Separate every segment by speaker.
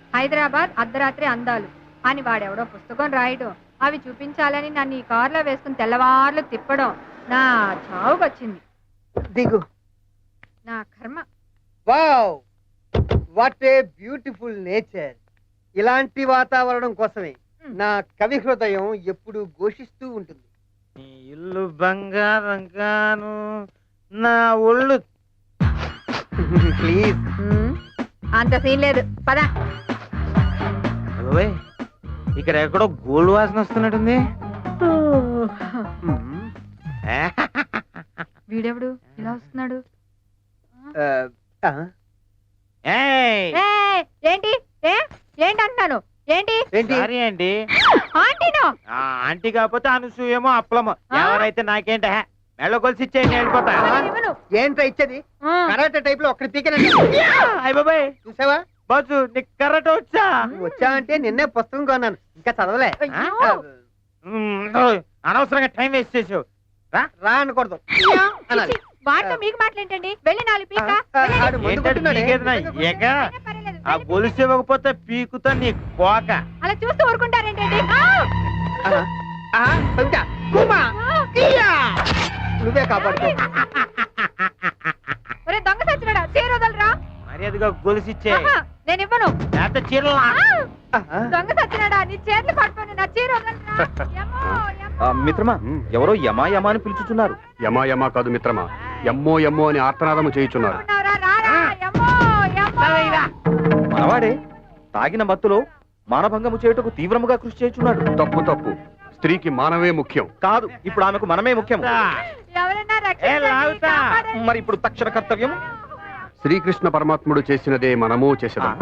Speaker 1: హైదరాబాద్ అర్ధరాత్రి అందాలు అని వాడెవడో పుస్తకం రాయడం, అవి చూపించాలని నన్ను ఈ కారులో వేసుకుని తెల్లవార్లు తిప్పడం నా చావుకొచ్చింది.
Speaker 2: దిగు.
Speaker 1: నా కర్మ.
Speaker 2: Wow, what a beautiful nature. ఇలాంటి వాతావరణం కోసమే నా కవి హృదయం ఎప్పుడు ఘోషిస్తూ ఉంటుంది.
Speaker 3: ఇల్లు బంగారం గాను, నా ఒళ్ళు.
Speaker 2: ప్లీజ్.
Speaker 1: అంత సీన్ లేదు, పద.
Speaker 3: ఇక్కడ ఎక్కడో గోల్డ్ వాసన వస్తున్నట్టుంది.
Speaker 1: వీడెవడు ఇలా వస్తున్నాడు? ఏంటి ఏంటి అంటున్నాను? ఏంటి
Speaker 3: సారీ అండి.
Speaker 1: ఆంటీనో?
Speaker 3: ఆంటీ కాకపోతే అనసూయమో అప్పలమో ఎవరైతే నాకేంట మెళ్ళ కొలిసి ఇచ్చేయండి, వెళ్ళిపోతా.
Speaker 2: ఏంట్రా ఇచ్చేది? కరాటే టైప్ లో ఒక్కడి పీకనండి.
Speaker 3: అయ్య బాబాయ్,
Speaker 2: చూసావా
Speaker 3: బాజు నీకు కరాటే వచ్చా?
Speaker 2: వచ్చా అంటే నిన్నే పుస్తకం కొన్నాను, ఇంకా చదవలే.
Speaker 3: అనవసరంగా టైం వేస్ట్ చేసావు.
Speaker 2: రా అనకూడదు.
Speaker 1: వాటితో మీకు మాట్లాడండి. వెళ్ళి 4 పీక.
Speaker 3: ఆ గొలుసు ఇవ్వకపోతే పీకుతా నీ కోక.
Speaker 1: అలా చూస్తూ ఊరుకుంటారేంటండి?
Speaker 2: నువ్వే కాపాడుకో.
Speaker 1: దొంగ సచ్చినాడా, చీర వదలరా.
Speaker 3: మర్యాదగా గొలుసు ఇచ్చే.
Speaker 1: నేను ఇవ్వను.
Speaker 3: చీరలా
Speaker 1: దొంగ సచ్చినాడా, నీ చేతులు పట్టుకొని నా చీర వదలరా.
Speaker 4: మిత్రమా, ఎవరో యమా యమా అని పిలుచుతున్నారు.
Speaker 5: యమా యమా కాదు మిత్రమా, ఎమ్మో ఎమ్మో అని ఆర్తనాదము చేయుచున్నారు.
Speaker 4: మనవాడే తాగిన మత్తులో మానభంగము చేయుటకు తీవ్రముగా కృషి చేయుచున్నాడు.
Speaker 5: తప్పు తప్పు. స్త్రీకి మానవే ముఖ్యం.
Speaker 4: కాదు, ఇప్పుడు ఆమెకు మనమే ముఖ్యం. మరి ఇప్పుడు తక్షణ కర్తవ్యం
Speaker 5: శ్రీకృష్ణ పరమాత్ముడు చేసినదే మనము చేసేదాం.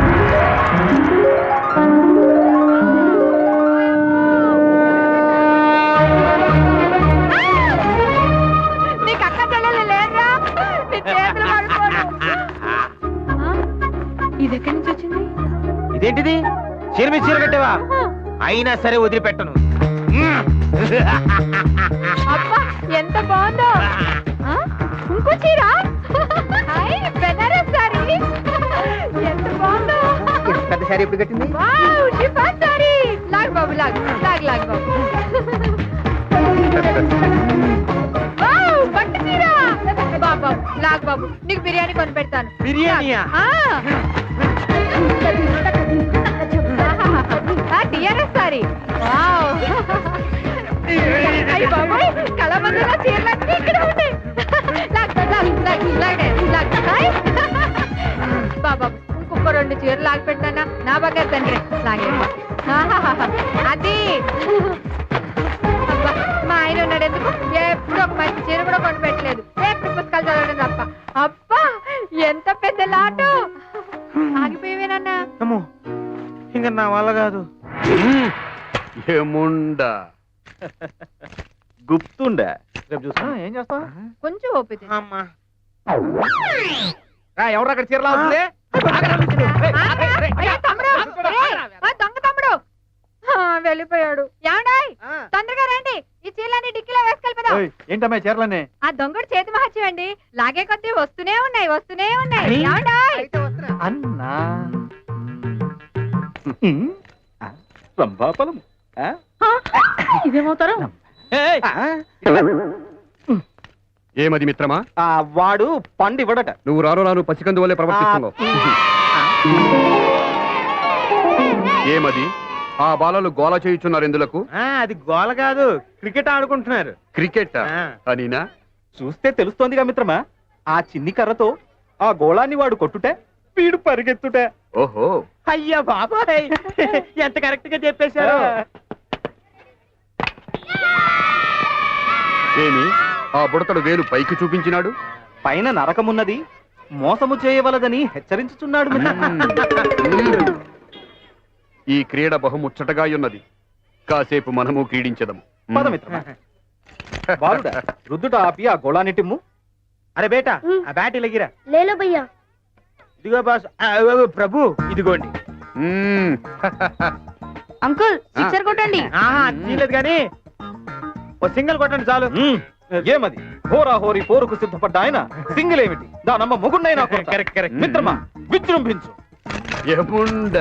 Speaker 1: ఇదెక్కడి నుంచి వచ్చింది?
Speaker 3: ఇదేంటిది? చీర మీద చీర కట్టేవా? అయినా సరే వదిలిపెట్టను.
Speaker 1: అబ్బా, ఎంత బాగుందో. ఇంకో చీర, బెనారస్ సారీ, ఎంత బాగుందో.
Speaker 2: పెద్ద సారీ ఎప్పుడు కట్టింది?
Speaker 1: షిఫాన్ సారీ. లాగ్ బాబు, లాగ్ లాగ్ లాగ్ బాబు. పట్టు చీర. బాబు లాగ్ బాబు, నీకు బిర్యానీ కొని పెడతాను.
Speaker 3: బిర్యానీయా?
Speaker 1: టిఆర్ఎస్ సారీ. బాబాయ్, కళాబంధులో చీరలన్నీ ఇక్కడ ఉంటాయి. బాబా, ఇంకొక 2 చీరలు లాగి పెట్టానా? నా బాగా తండ్రి లాగే. అది మా ఆయన ఉన్నాడు ఎందుకు? ఎప్పుడు ఒక మంచి చీర కూడా కొని పెట్టలేదు. ఎప్పుడు పుస్తకాలు చదవడం తప్ప. అబ్బా, ఎంత పెద్ద లాటు. ఆగిపోయేవేనన్నా.
Speaker 3: ఇంకా నా వల్ల కాదు.
Speaker 5: ఏముండా
Speaker 4: గుప్తుండా?
Speaker 3: ఏం చేస్తా?
Speaker 1: కొంచెం ఓపిక.
Speaker 3: అమ్మా,
Speaker 4: ఎవరు అక్కడ చీరలా ఉంది?
Speaker 1: దొంగ తమ్ముడు వెళ్ళిపోయాడు. ఏమండాయ్, తొందరగా రండి. ఈ చీరలన్నీ డిక్కీలో వేసుకెళ్ళిపోదాం.
Speaker 4: ఏంటమ్మా చీరలన్నీ?
Speaker 1: ఆ దొంగడు చేతి మహత్యం అండి. లాగే కొద్దీ వస్తూనే ఉన్నాయి, వస్తూనే ఉన్నాయి. ఏమండాయ్?
Speaker 4: అన్నా రంభాఫలం.
Speaker 1: ఇదేమవుతారు?
Speaker 5: ఏమది మిత్రమా?
Speaker 4: వాడు పండు ఇవ్వడట.
Speaker 5: నువ్వు రాను రాను పసికందు వల్లే ప్రవర్తిస్తున్నావు. ఏమది? ఆ బాలలు గోల చేయుచున్నారు ఎందులకు?
Speaker 3: అది గోల కాదు, క్రికెట్ ఆడుకుంటున్నారు.
Speaker 5: క్రికెట్ అనినా?
Speaker 4: చూస్తే తెలుస్తోందిగా మిత్రమా, ఆ చిన్ని కర్రతో ఆ గోళాన్ని వాడు కొట్టుటే వీడు పరిగెత్తుటే.
Speaker 5: ఓహో,
Speaker 3: అయ్యా బాబాయ్, ఎంత కరెక్ట్ గా చెప్పేశారు.
Speaker 5: ఏమి ఆ బుడతడు వేలు పైకి చూపించినాడు?
Speaker 4: పైన నరకమున్నది, మోసము చేయవలదని హెచ్చరించుచున్నాడు.
Speaker 5: ఈ క్రీడ బహుముచ్చటగా ఉన్నది. కాసేపు మనము క్రీడించదము.
Speaker 4: పదమిత్రమా. బాలుడా, రుద్దుట ఆపి ఆ గోళాన్నిటిమ్ము.
Speaker 3: అరే బేటా, ఆ బ్యాట్ ఇలాగిరా.
Speaker 6: లేలో భయ్యా.
Speaker 3: ఇదిగో బాస్. ప్రభు ఇదిగోండి.
Speaker 1: అంకుల్, సిక్సర్ కొట్టండి.
Speaker 3: తీయలేదు కానీ ఓ సింగిల్ కొట్టండి చాలు.
Speaker 4: ఏమది? హోరా హోరీ పోరుకు సిద్ధపడ్డ ఆయన సింగిల్ ఏమిటి? దానమ్మ ముగుండైనా.
Speaker 3: Correct correct.
Speaker 4: మిత్రమా, విజృంభించు.
Speaker 5: యముండ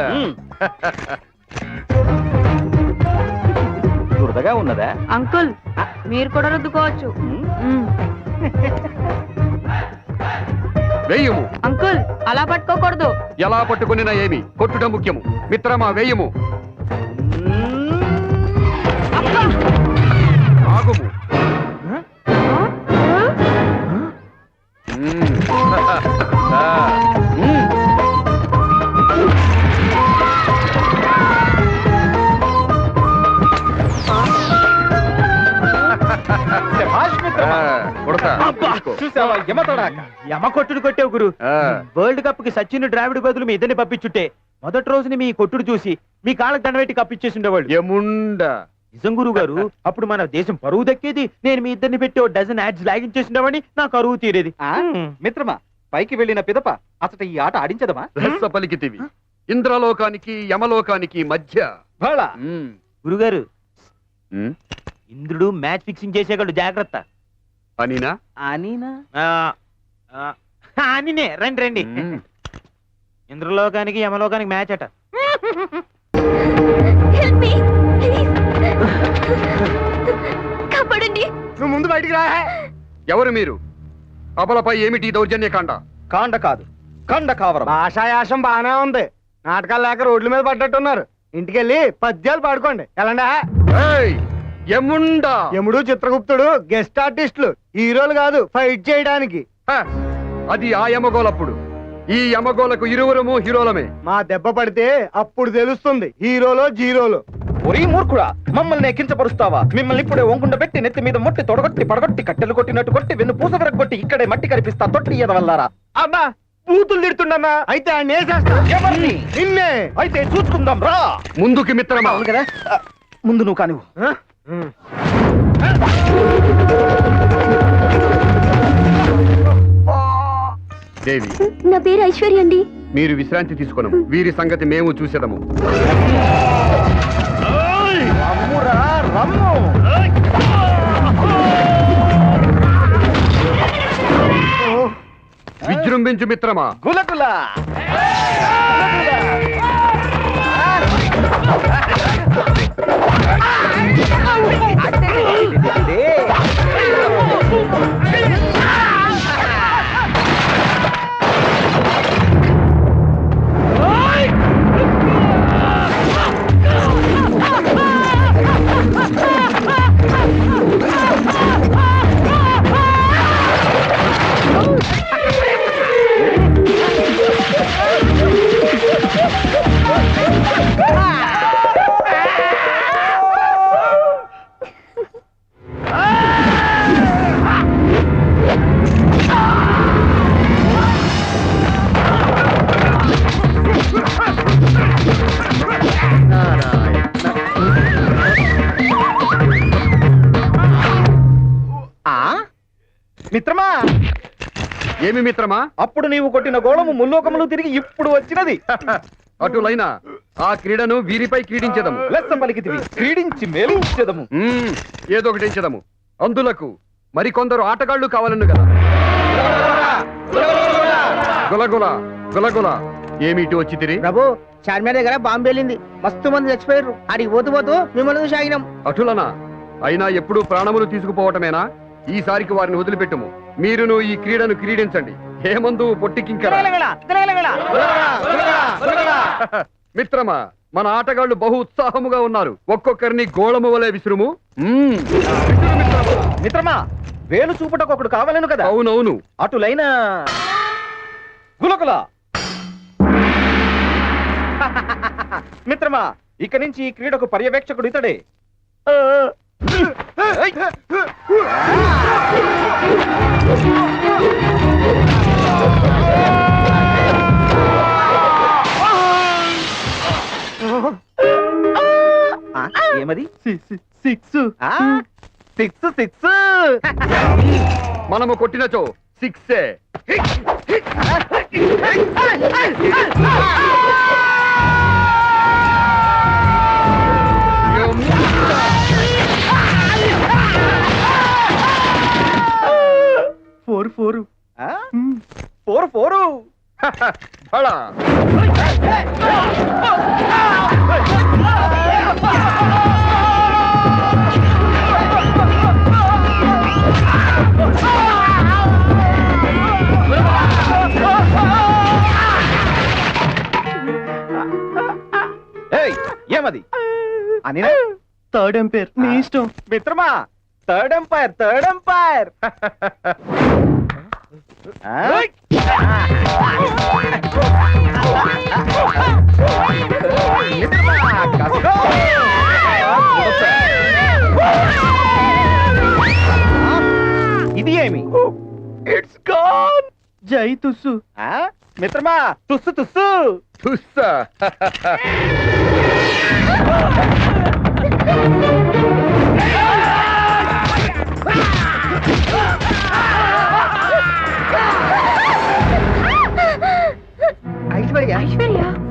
Speaker 4: దురదగా ఉన్నదా?
Speaker 1: అంకుల్ మీరు కూడా రుద్దుకోవచ్చు.
Speaker 5: వేయము.
Speaker 1: అంకుల్ అలా పట్టుకోకూడదు.
Speaker 5: ఎలా పట్టుకునినా ఏమి, కొట్టుట ముఖ్యము. మిత్రమా వేయము. ఆగుము.
Speaker 4: శభాష్ మిత్రమా.
Speaker 5: కొడతా.
Speaker 4: చూసావా యమతడాక?
Speaker 3: యమ కొట్టుడు కొట్టావు గురు.
Speaker 5: ఆ.
Speaker 3: వరల్డ్ కప్ కి సచిన్ ద్రావిడ్ బదులు మీ ఇద్దరిని పంపించుంటే మొదటి రోజుని మీ కొట్టుడు చూసి మీ కాళ్ళకి దండబెట్టి కప్పించేసి ఉండేవాళ్ళు.
Speaker 5: యముండ.
Speaker 3: నిజం గురువు గారు, అప్పుడు మన దేశం పరువు దక్కేది. నేను మీ ఇద్దరిని పెట్టి ఓ డజన్ యాడ్స్ లాగించేసి ఉండేవాడిని, నా కరువు తీరేది.
Speaker 4: మిత్రమా, పైకి వెళ్ళిన పిదప అసట ఈ ఆట ఆడించదమా?
Speaker 5: రహస్య పలికితివి. ఇంద్రలోకానికి యమలోకానికి మధ్య.
Speaker 4: భళా.
Speaker 3: గురుగారు,
Speaker 5: ఉమ్.
Speaker 3: ఇంద్రుడు మ్యాచ్ ఫిక్సింగ్ చేసేవాళ్ళు, జాగ్రత్త.
Speaker 5: అనినా?
Speaker 4: అనినా?
Speaker 3: అనినే. రండి రండి.
Speaker 5: ఉమ్.
Speaker 3: ఇంద్రలోకానికి యమలోకానికి మ్యాచ్ అట.
Speaker 1: కాపాడండి.
Speaker 2: నువ్వు ముందు బయటికి రా.
Speaker 5: ఎవరు మీరు? అబలపై ఏమిటి దౌర్జన్యకాండ?
Speaker 4: కాండ కాదు, కండ కావరం.
Speaker 2: భాషాయాసం బాగానే ఉంది. నాటకాలు లేక రోడ్ల మీద పడ్డట్టున్నారు. ఇంటికెళ్ళి పద్యాలు పాడుకోండి. ఎలాండా?
Speaker 5: ఏయ్! యముండ.
Speaker 2: యముడు చిత్రగుప్తుడు గెస్ట్ ఆర్టిస్టులు, హీరోలు కాదు ఫైట్ చేయడానికి.
Speaker 5: హ! అది ఆ యమగోలప్పుడు. ఈ యమగోలకు ఇరువురము హీరోలమే.
Speaker 2: మా దెబ్బ పడితే అప్పుడు తెలుస్తుంది హీరోలో జీరోలో.
Speaker 4: ఒరీ మూర్ఖుడా, మమ్మల్ని ఎక్కించపరుస్తావా? మిమ్మల్ని ఇప్పుడే ఒంగుండ పెట్టి నెత్తి మీద మొట్టి తొడగొట్టి పడగొట్టి కట్టెలు కొట్టినట్టు కొట్టి వెన్ను పూస విరగొట్టి ఇక్కడే మట్టి కనిపిస్తా తొట్టి ఎదవల్లారా.
Speaker 2: అబ్బా బూతులు తిడుతున్నా. అయితే ఆయన వేసేస్తా.
Speaker 4: ఎవరిని?
Speaker 2: నిన్నే.
Speaker 4: అయితే చూసుకుందాం రా.
Speaker 5: ముందుకి మిత్రమా.
Speaker 4: అవును కదా, ముందు నువ్వు కానివ్వు.
Speaker 2: ఆ?
Speaker 5: దేవి,
Speaker 6: నా పేరు ఐశ్వర్య అండి.
Speaker 5: మీరు విశ్రాంతి తీసుకున్నాము. వీరి సంగతి మేము చూసేదము.
Speaker 4: రమ్మురా, రమ్ము.
Speaker 5: విజృంభించు మిత్రమా.
Speaker 4: గులగుల. మిత్రమా,
Speaker 5: ఏమి మిత్రమా?
Speaker 4: అప్పుడు నీవు కొట్టిన గోళము ముల్లోకములు తిరిగి ఇప్పుడు వచ్చినది.
Speaker 5: అటులైన ఆ క్రీడను వీరిపై క్రీడించదము.
Speaker 4: లెస్స పలికితివి, క్రీడించి మేలించెదము.
Speaker 5: ఏదో ఒకటి ఎంచదము. అందులకు మరికొందరు ఆటగాళ్లు కావాలను కదా. గులగుల గులగుల. ఏమిటి వచ్చి తిరిగి?
Speaker 2: ప్రభు, చార్మినార్ దగ్గర బాంబు వెళ్ళింది. మస్తు మంది చచ్చిపోయారు. ఆడికి పోతూ పోతూ మిమ్మల్ని చూసి ఆగినాం.
Speaker 5: అటులనా? అయినా ఎప్పుడు ప్రాణములు తీసుకుపోవటమేనా? ఈసారికి వారిని వదిలిపెట్టుము. మీరును ఈ క్రీడను క్రీడించండి. హేమందు పొట్టికింకరా. మిత్రమా, మన ఆటగాళ్లు బహు ఉత్సాహముగా ఉన్నారు. ఒక్కొక్కరిని గోళము వలె విసురుము.
Speaker 4: మిత్రమా, వేలు చూపుటకు ఒకడు కావాలను కదా.
Speaker 5: అవునవును.
Speaker 4: అటులైన గులకుల. మిత్రమా, ఇక నుంచి ఈ క్రీడకు పర్యవేక్షకుడు ఇతడే. ఏమది? సిక్స్. Six six.
Speaker 5: మనము కొట్టినచో సిక్సే.
Speaker 4: Four four. Four four.
Speaker 5: బళ.
Speaker 4: ఏయ్, ఏమది అని థర్డ్ ఎంపైర్ నీ ఇష్టం మిత్రమా. థర్డ్ ఎంపైర్ ఇది ఏమి? It's gone. జై తుస్సు. మిత్రమా, తుస్సు తుస్సు.
Speaker 5: తుస్సా.
Speaker 2: ఐశ్వర్య
Speaker 1: ఐశ్వర్య